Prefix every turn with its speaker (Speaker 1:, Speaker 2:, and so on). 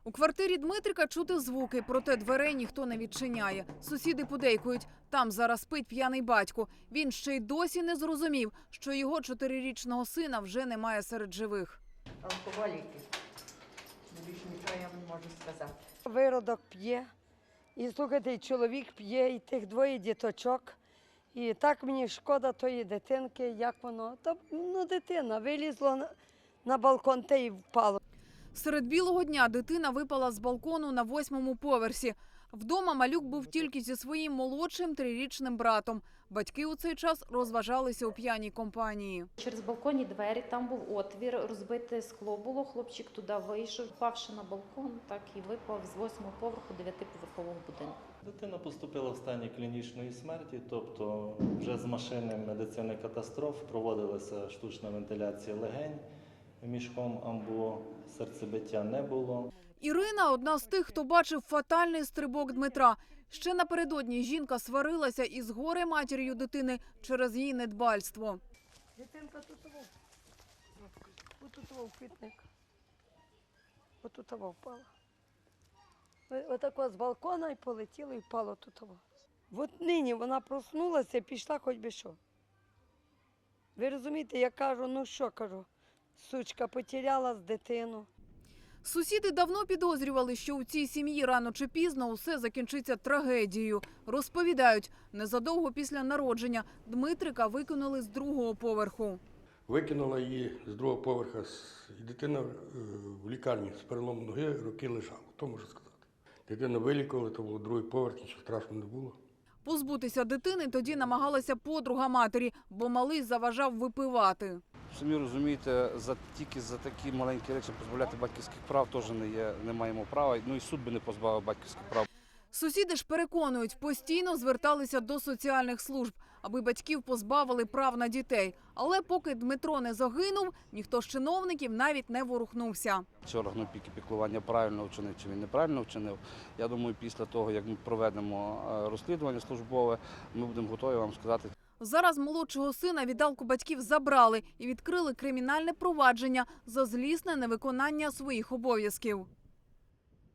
Speaker 1: У квартирі Дмитрика чути звуки, проте дверей ніхто не відчиняє. Сусіди подейкують, там зараз спить п'яний батько. Він ще й досі не зрозумів, що його 4-річного сина вже немає серед живих.
Speaker 2: Алкоголіки. Більше нічого я не можу сказати.
Speaker 3: Виродок п'є, і слухайте, і чоловік п'є, і тих двоє діточок. І так мені шкода тої дитинки, як воно. Та, дитина вилізла на балкон та й впала.
Speaker 1: Серед білого дня дитина випала з балкону на 8-му поверсі. Вдома малюк був тільки зі своїм молодшим 3-річним братом. Батьки у цей час розважалися у п'яній компанії.
Speaker 4: Через балконні двері, там був отвір, розбите скло було, хлопчик туди вийшов, впавши на балкон, так і випав з 8-го поверху 9-поверхового будинку.
Speaker 5: Дитина поступила в стані клінічної смерті, тобто вже з машини медицини катастроф проводилася штучна вентиляція легень мішком амбо, серцебиття не було.
Speaker 1: Ірина – одна з тих, хто бачив фатальний стрибок Дмитра. Ще напередодні жінка сварилася із горе-матір'ю дитини через її недбальство.
Speaker 3: Дитинка тут в квітник. Отут впала. Отако з балкона і полетіло, і впало тут. От нині вона проснулася, пішла хоч би що. Ви розумієте, я кажу, сучка потеряла з дитину.
Speaker 1: Сусіди давно підозрювали, що у цій сім'ї рано чи пізно усе закінчиться трагедією. Розповідають, незадовго після народження Дмитрика викинули з 2-го поверху.
Speaker 6: Викинула її з 2-го поверха, і дитина в лікарні з переломом ноги роки лежала, то можу сказати. Дитину вилікували, то було 2-й поверх, нічого страшного не було.
Speaker 1: Позбутися дитини тоді намагалася подруга матері, бо малий заважав випивати.
Speaker 7: Самі розумієте, тільки за такі маленькі речі позбавляти батьківських прав теж не маємо права. І суд би не позбавив батьківських прав.
Speaker 1: Сусіди ж переконують, постійно зверталися до соціальних служб, аби батьків позбавили прав на дітей. Але поки Дмитро не загинув, ніхто з чиновників навіть не ворухнувся.
Speaker 7: Чи орган опіки піклування правильно вчинив, чи він неправильно вчинив. Я думаю, після того, як ми проведемо розслідування службове, ми будемо готові вам сказати.
Speaker 1: Зараз молодшого сина віддалку батьків забрали і відкрили кримінальне провадження за злісне невиконання своїх обов'язків.